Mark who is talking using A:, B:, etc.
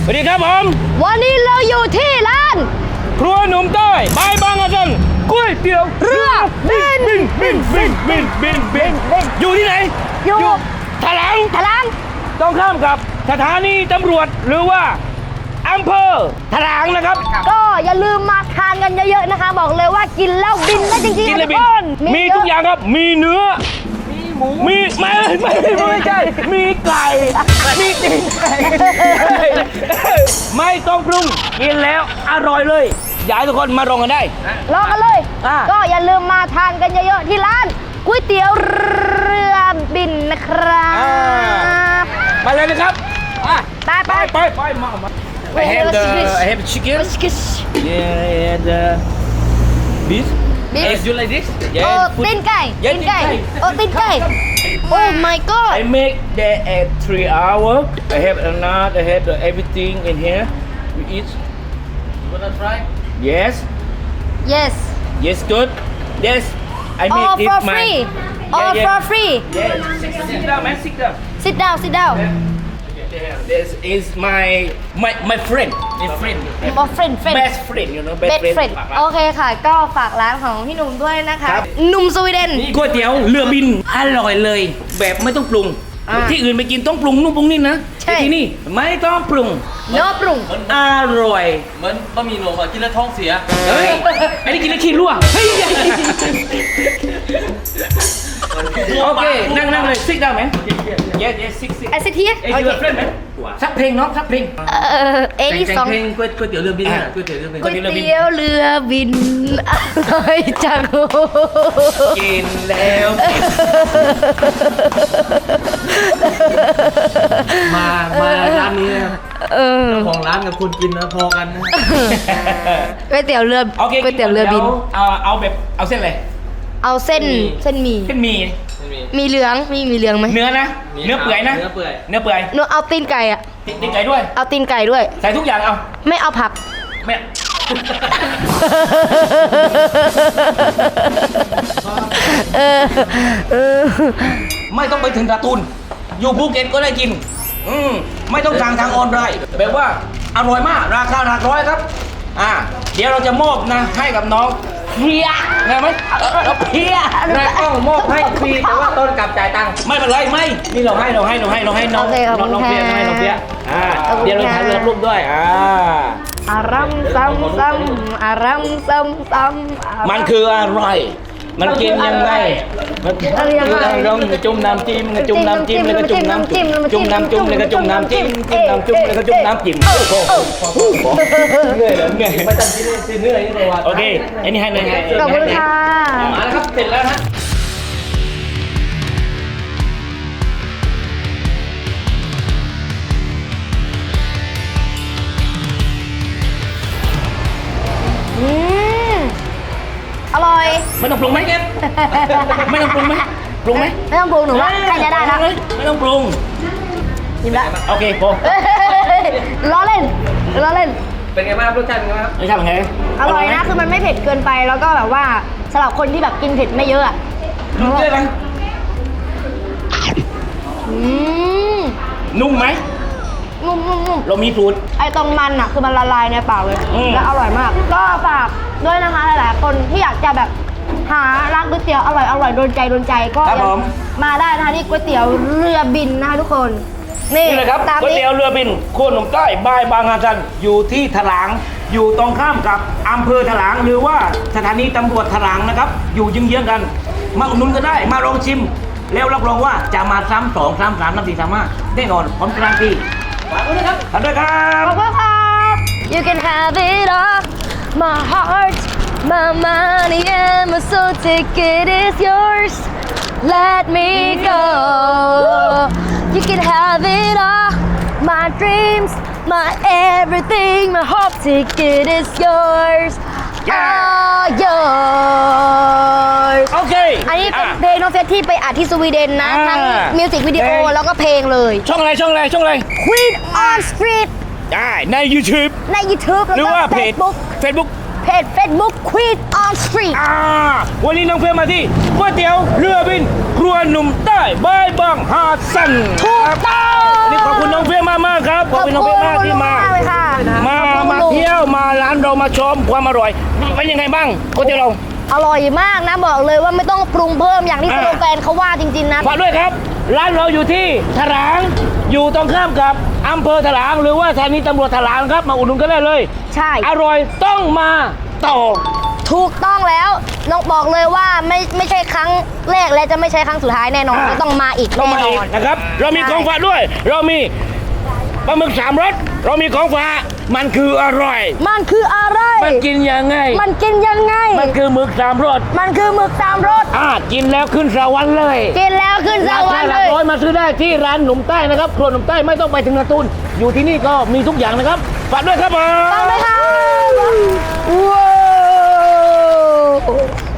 A: วัสดีครับผม
B: วันนี้เราอยู่ที่ร้าน
A: ครัวหนุ่มใต้บายบางอาจันก๋วยเตี๋ยวเรือบินอยู่ที่ไหน
B: อยู่
A: ถลัง
B: ถลัง
A: ต้องข้ามกับสถานีตำรวจหรือว่าอำเภอถลังนะครับ
B: ก็อย่าลืมมาทานกันเยอะๆนะคะ บอกเลยว่ากินแล้วบินได้จริง
A: กิน
B: ๆ
A: เลย
B: ทุ
A: บิ
B: ก
A: น
B: คน
A: มีทุกอย่างครับมีเนื้อมีไม่ใช่มีไก่มีตีนไก่ไม่ต้องปรุงกินแล้วอร่อยเลยอยากให้ทุกคนมาลองกันได้
B: ลองกันเลย
A: อ่า
B: ก็อย่าลืมมาทานกันเยอะๆที่ร้านก๋วยเตี๋ยวเรือบินนะครับ
A: มาเลยนะครับ
B: ไป
A: มา I have chicken yeah and beef
B: Beef.
A: you like this
B: โอ้ตีนไก่
A: Yeah,
B: ตีนไก่
A: ตีนไก่
B: โอ้ตีนไก่โอ้ my god
A: I make that at 3 hours I have another I have everything in here we eat
C: You wanna try?
A: yes
B: yes
A: yes good yes I make
B: all
A: it
B: for
A: my
B: free all for free
A: yeah sit down man sit down
B: sit down
A: this is my friend my friend
B: oh friend
A: best friend you know
B: best friend โอเคค่ะ ก็ฝากร้านของพี่หนุ่มด้วยนะคะ
A: ครับ
B: หนุ่มสวีเดน
A: ก๋วยเตี๋ยวเรือบินอร่อยเลย แบบไม่ต้องปรุง
B: อ่า
A: ที่อื่นไปกินต้องปรุงนู่นปรุงนี่นะ
B: ใช่
A: แต่ที่นี่ไม่ต้องปรุง
B: เนื้อปรุง
A: อร่อย
C: เหมือนบะหมี่หลวงอะกินแล้วท้องเสีย
A: เฮ้ยไอ้นี่กินแล้วขี้รั่วเฮ้ยโอเคนั่งเลยซิกได้ไหม yes yesซิก
B: ไอซิที
A: เอ้ยเรือเฟรนไหมสักเพลงเนาะสักเพลง
B: เอลิสอง
C: เพลงก๋วยเตี๋ยวเรือบินอะก๋วยเตี๋ยวเรือบิน
B: ก๋วยเตี๋ยวเรือบินอร่อยจัง
A: กินแล้ว
C: มาร้านนี้นะเจ้าของร้านกับคนกินนะพอกันนะ
B: ก๋วยเตี๋ยวเรือ
A: โอเค
B: ก๋วยเตี๋ยวเรือบิน
A: เอาแบบเอาเส้นอะไร
B: เอาเส้นหมี่
A: เส้นหมี่
C: ไม่มี
B: มีเหลืองมีเหลืองไหม
A: เนื้อนะเนื้อเปื่อยนะ
C: เนื้อเปื่อย
A: เนื้อเปื่อย
B: หนูเอาตีนไก่อะ
A: ติดไก่ด้วย
B: เอาตีนไก่ด้วย
A: ใส่ทุกอย่างเอา
B: ไม่เอาผัก
A: ไม่ไม่ต้องไปถึงการ์ตูนอยู่ภูเก็ตก็ได้กินไม่ต้องสั่งทางออนไลน์แบบว่าอร่อยมากราคาหลักร้อยครับเดี๋ยวเราจะมอบนะให้กับน้องเพียได้ไหมเราเพีย
C: นายต้องมอบให้ฟรีแต่ว่าต้นกลับจ่ายตังค์
A: ไม่เป็นไรไม่นี่เราให้น้อง
B: โอเคขอบคุณ
A: น้องเพีย
B: ค่ะ
A: น้องเพียเดี๋ยวเราถ่ายรูปด้วย
B: อารัมซ้ำอารัมซ้ำ
A: มันคืออะไรมันกินยังไงมันเราจุ่มน้ำจิ้มจุ่มน้ำจิ้มแล้วก็จุ่มน้ำจิ้มจุ่มน้ำจุ่มแล้วก็จุ่มน้ำจิ้มจุ่มน้ำจุ่มแล้วก็จุ่มน้ำจิ้มเหนื่อยเหรอเหนื่อย
C: ไม่จำที่นี่เนื้อนี่ตัว
A: โอเคอันนี้ให้เลย
B: ขอบคุณค่ะ
A: มาแล้วครับเสร็จแล้วนะ
B: อร่อย
A: ไม่ต้องปรุงไหมไม่ต้องปรุงไหมปรุงไหม
B: ไม่ต้องปรุงหนูว่าใกล้จะได้แล้ว
A: ไม่ต้องปรุง
B: ยิ้มละ
A: โอเคพอ
B: ล้อเล่น
C: เป็นไงบ้างครับรสชาติเป็นไงบ้างครับ
A: ไม่ใช่ไง
B: อร่อยนะ คือมันไม่เผ็ดเกินไปแล้วก็แบบว่าสำหรับคนที่แบบกินเผ็ดไม่เยอะอะ
A: นุ่มด้วยไหม นุ่มไหม
B: นุ่ม
A: เรามีสูตร
B: ไอตรงมันอะคือมันละลายในปากเลย และอร่อยมาก ก็ฝากด้วยนะคะหลายๆคนที่อยากจะแบบหาร้านก๋วยเตี๋ยวอร่อยโดนใจก็
A: ครับผม
B: มาได้นะคะที่ก๋วยเตี๋ยวเรือบินนะคะทุกคน นี่
A: นี่เลยครับ
B: ตาม
A: ก๋วย
B: นี้
A: เตี๋ยวเรือบินโคนหนุ่มใต้บายบางอาจันอยู่ที่ถลางอยู่ตรงข้ามกับอำเภอถลางหรือว่าสถานีตำรวจถลางนะครับ อยู่เยื้องๆกัน มาอุดหนุนก็ได้มาลองชิม แล้วรับรองว่าจะมาซ้ำ2 3 3 4 3 5แน่นอนผมการันตีฝากด้วยนะครับขอบคุณครับ
B: ขอบคุณครับ You can have it all my heart my money and my soul ticket is yours let me go You can have it all my dreams my everything my hope ticket is yours all yours
A: โอเค
B: อันนี้เป็นเพลงน้องเฟสที่ไปอัดที่สวีเดนนะ ทั้งมิวสิกวิดีโอแล้วก็เพลงเลย
A: ช่องอะไร
B: Queen on Street
A: ได้ใน YouTube
B: ใน YouTube
A: หรือ
B: แล้ว
A: ว่า
B: ก็
A: Facebook
B: Facebook เพจ Facebook Queen on Street
A: วันนี้น้องเพื่อนมาที่ก๋วยเตี๋ยวเรือบินครัวหนุ่มใต้บายบางฮาซัน
B: ถูกต้อง
A: นี่ขอบคุณน้องเพื่อนมากๆครับขอบคุณน้องเพื่อนมากที่มา
B: ขอบคุณมากเลย
A: เรามาชมความอร่อยเป็นยังไงบ้างก๋วยเตี๋ยวเรา
B: อร่อยมากนะบอกเลยว่าไม่ต้องปรุงเพิ่มอย่างที่สโลแกนเขาว่าจริงๆนะ
A: ฝากด้วยครับร้านเราอยู่ที่ถลางอยู่ตรงข้ามกับอำเภอถลางหรือว่าสถานีตำรวจถลางครับมาอุดหนุนกันได้เลย
B: ใช่
A: อร่อยต้องมาต่อ
B: ถูกต้องแล้วน้องบอกเลยว่าไม่ใช่ครั้งแรกและจะไม่ใช่ครั้งสุดท้ายแน่นอนต้องมาอีก
A: ต้อง
B: แน่
A: มาน อี
B: อก น
A: นะครับ เรามีของฝากด้วย เรามีปลาหมึก3 รสเรามีของฝากมันคืออร่อย
B: มันคืออะไร
A: มันกินยังไง
B: มันกินยังไง
A: มันคือหมึก3 รส
B: มันคือหมึกสามรส
A: กินแล้วขึ้นสวรรค์เลย
B: กินแล้วขึ้นส
A: ราว
B: ร
A: คาร
B: ค์
A: ห
B: เล
A: ลัก
B: ย
A: ร้อยมาซื้อได้ที่ร้านหนุ่มใต้นะครับครัวหนุ่มใต้ไม่ต้องไปถึงนาตูนอยู่ที่นี่ก็มีทุกอย่างนะครับฝากด้วยครับผม
B: ฟังไหมคะว้าว